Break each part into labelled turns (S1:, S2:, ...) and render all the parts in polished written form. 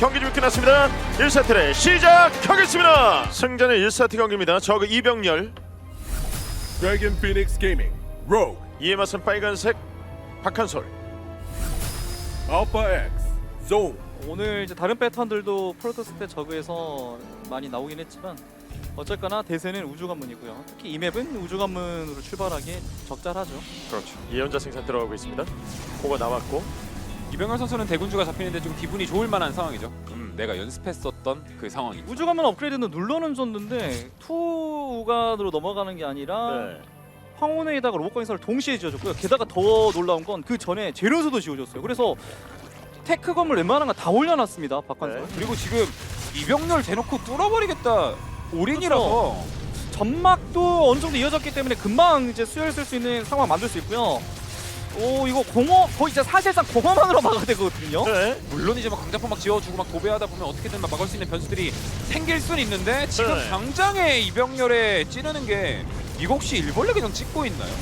S1: 경기 좀 끝났습니다. 1세트를 시작하겠습니다. 승자는 1세트 경기입니다. 저그 이병렬,
S2: Dragon Phoenix Gaming, Rogue,
S1: 이에 맞선 빨간색 박한솔.
S2: Alpha X, Zone.
S3: 오늘 이제 다른 패턴들도 프로토스 때 저그에서 많이 나오긴 했지만 어쨌거나 대세는 우주관문이고요. 특히 이 맵은 우주관문으로 출발하기 적절하죠.
S1: 그렇죠. 예언자 생산 들어가고 있습니다. 고가 나왔고
S4: 이병렬 선수는 대군주가 잡히는데 좀 기분이 좋을 만한 상황이죠. 내가 연습했었던 그 상황이.
S3: 우주관문 업그레이드는 눌러는 줬는데 투우관으로 넘어가는 게 아니라
S1: 네.
S3: 황혼회에다가 로봇광선을 동시에 지어줬고요. 게다가 더 놀라운 건 그 전에 재료수도 지어줬어요. 그래서 테크 건물 웬만한 거 다 올려놨습니다. 박관선.
S1: 네.
S4: 그리고 지금 이병렬 대놓고 뚫어버리겠다. 올인이라서.
S3: 점막도 어느 정도 이어졌기 때문에 금방 이제 수혈 쓸 수 있는 상황 만들 수 있고요. 오 이거 공허 거의 이제 사실상 공허만으로 막아야 되거든요.
S1: 네.
S4: 물론 이제 막 강자포 막 지어주고 막 도배하다 보면 어떻게든 막 막을 수 있는 변수들이 생길 수는 있는데 지금
S1: 네.
S4: 당장에 이병렬에 찌르는 게 이거 혹시 일벌레 그냥 찍고 있나요?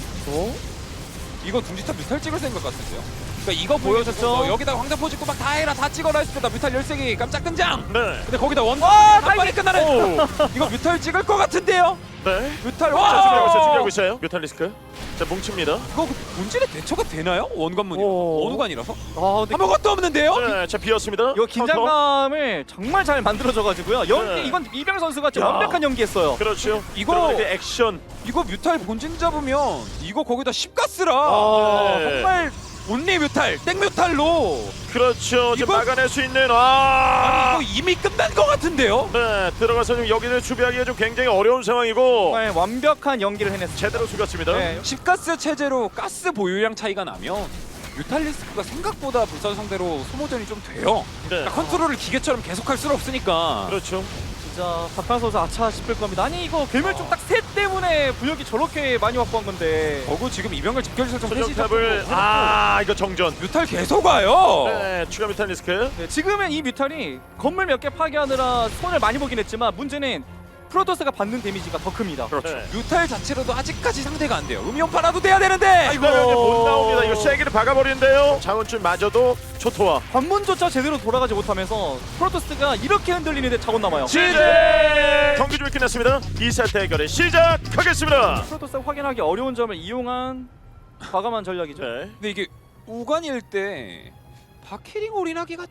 S4: 이거 둥지탑 뮤탈 찍을 생각 같은데요? 그러니까 이거 보여줬죠. 여기다가 황자포 찍고 막 다 해라 다 찍어라 했을 때 나 뮤탈 13개 깜짝 등장!
S1: 네.
S4: 근데 거기다 한 번에 끝나는
S1: 오.
S4: 이거 뮤탈 찍을 것 같은데요?
S1: 네.
S4: 뮤탈
S1: 자, 준비하고 있어요.
S4: 와!
S1: 준비하고 있어요. 뮤탈리스크. 자, 뭉칩니다.
S4: 이거 본질에 대처가 되나요? 원관문이
S3: 오.
S4: 원우관이라서?
S3: 아 근데
S4: 아무것도 없는데요?
S1: 네. 자, 비었습니다.
S3: 이거 긴장감을 정말 잘 만들어줘가지고요. 연기
S1: 네.
S3: 이건 이병 선수가 좀
S1: 야.
S3: 완벽한 연기했어요.
S1: 그렇죠.
S4: 이거-
S1: 들어가는 그 액션.
S4: 이거 뮤탈 본진 잡으면 이거 거기다 10가스라
S1: 네.
S4: 정말 온리 뮤탈, 땡 뮤탈로
S1: 그렇죠. 지금
S4: 이거-
S1: 막아낼 수 있는
S4: 이거 이미 끝난 것 같은데요?
S1: 네. 들어가서 좀 여기를 수비하기가 좀 굉장히 어려운 상황이고
S3: 정말 완벽한 연기를 해냈습니다.
S1: 제대로 숙였습니다.
S3: 네.
S4: 10가스 체제로 가스 보유량 차이가 나면 뮤탈리스크가 생각보다 불사 상대로 소모전이 좀 돼요.
S1: 네.
S4: 그러니까 컨트롤을 기계처럼 계속할 수는 없으니까
S1: 그렇죠.
S3: 진짜 박한 선수 아차 싶을 겁니다. 아니 이거 괴물총 딱 셋 때문에 부력이 저렇게 많이 확보한 건데.
S4: 저거 지금 이병렬 집결지 설정
S1: 소정탑을 이거 정전.
S4: 뮤탈 계속 와요.
S1: 네. 추가 뮤탈리스크.
S3: 네, 지금은 이 뮤탈이 건물 몇 개 파괴하느라 손을 많이 보긴 했지만 문제는 프로토스가 받는 데미지가 더 큽니다.
S1: 네.
S4: 뮤탈 자체로도 아직까지 상대가 안 돼요. 음이온파라도 돼야 되는데.
S1: 이거 못 나옵니다. 이거 세기를 박아버리는데요. 자원줄 마저도 초토화.
S3: 관문조차 제대로 돌아가지 못하면서 프로토스가 이렇게 흔들리는데 자원 남아요.
S1: 시제 경기 좀 끝났습니다. 2세트 대결을 시작하겠습니다.
S3: 프로토스가 확인하기 어려운 점을 이용한 과감한 전략이죠.
S1: 네.
S4: 근데 이게 우관일 때 바퀴링 올인하기가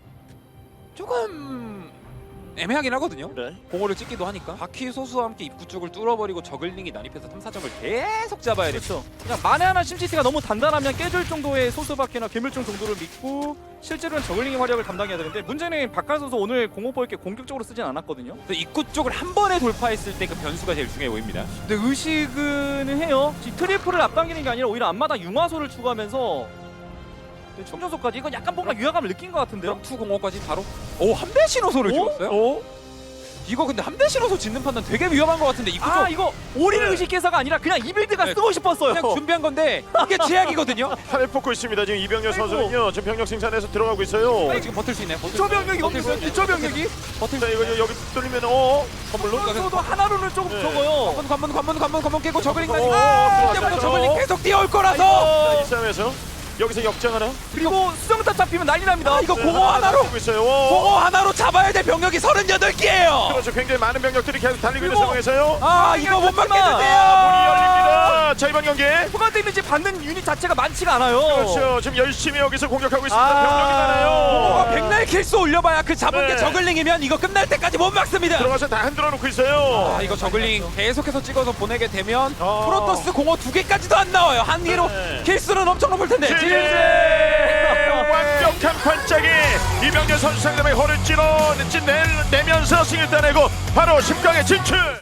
S4: 조금 애매하긴 하거든요.
S1: 네.
S4: 공허를 찍기도 하니까 바퀴 소수와 함께 입구 쪽을 뚫어버리고 저글링이 난입해서 탐사정을 계속 잡아야 돼.
S3: 그렇죠. 그냥 만에 하나 심시티가 너무 단단하면 깨질 정도의 소수바퀴나 괴물총 정도를 믿고 실제로는 저글링의 활약을 담당해야 되는데 문제는 박한 선수 오늘 공업볼 게 공격적으로 쓰진 않았거든요.
S4: 근데 입구 쪽을 한 번에 돌파했을 때 그 변수가 제일 중요해 보입니다.
S3: 근데 의식은 해요. 지금 트리플을 앞당기는 게 아니라 오히려 앞마다 융화소를 추가하면서 충전소까지 이건 약간 뭔가 위화감을 느낀 것 같은데요.
S4: 투 공허까지 바로 함대 신호소를 찍었어요?
S1: 오?
S4: 이거 근데 함대 신호소 짓는 판단 되게 위험한 것 같은데 입구 쪽
S3: 아 이거 올인을
S1: 네.
S3: 의식해서가 아니라 그냥 이 빌드가
S4: 네.
S3: 쓰고 싶었어요.
S4: 그냥 준비한 건데 이게 제약이거든요.
S1: 팔을 뽑고 있습니다. 지금 이병렬
S3: 아이고.
S1: 선수는요. 지금 병력 생산해서 들어가고 있어요.
S4: 지금 버틸 수 있나요? 버틸 수
S3: 기초
S4: 있나요?
S3: 병력이
S4: 버틸 수
S3: 없어요.
S4: 있나요?
S3: 기초 병력이.
S4: 버틸
S1: 자,
S4: 수
S1: 이거
S4: 있나요?
S1: 여기 뚫리면 건물로
S3: 선수도 하나로는 조금
S1: 네.
S3: 적어요.
S4: 관문 깨고 저글링까지
S1: 들어왔어요.
S4: 때부터 저글링 계속 뛰어올
S1: 자,
S4: 거라서
S1: 이 싸움에서 여기서 역장 하나.
S3: 그리고 수정탑 잡히면 난리 납니다.
S4: 이거
S1: 네,
S4: 공허 하나로
S1: 하고 있어요.
S4: 공허 하나로 잡아야 될 병력이 38개예요.
S1: 그렇죠. 굉장히 많은 병력들이 계속 달리고 있는
S3: 그리고-
S1: 상황에서요.
S4: 아 이거 못
S1: 문이
S4: 막겠는데요.
S1: 열립니다. 자, 이번 경기.
S3: 후반 데미지 받는 유닛 자체가 많지가 않아요.
S1: 그렇죠. 지금 열심히 여기서 공격하고 있습니다.
S3: 아.
S1: 병력이
S4: 공허가
S1: 많아요.
S4: 백날 킬수 올려봐야 그 잡은
S1: 네.
S4: 게 저글링이면 이거 끝날 때까지 못 막습니다.
S1: 들어가서 다 흔들어 놓고 있어요.
S4: 아 이거 저글링 계속해서 찍어서 보내게 되면
S1: 아.
S4: 프로토스 공허 2개까지도 안 나와요. 한 개로
S1: 네.
S4: 킬수는 엄청 높을 텐데.
S1: 완벽한 반짝이 이병렬 선수 상대방의 허를 찔러내면서 승을 따내고 바로 10강에 진출.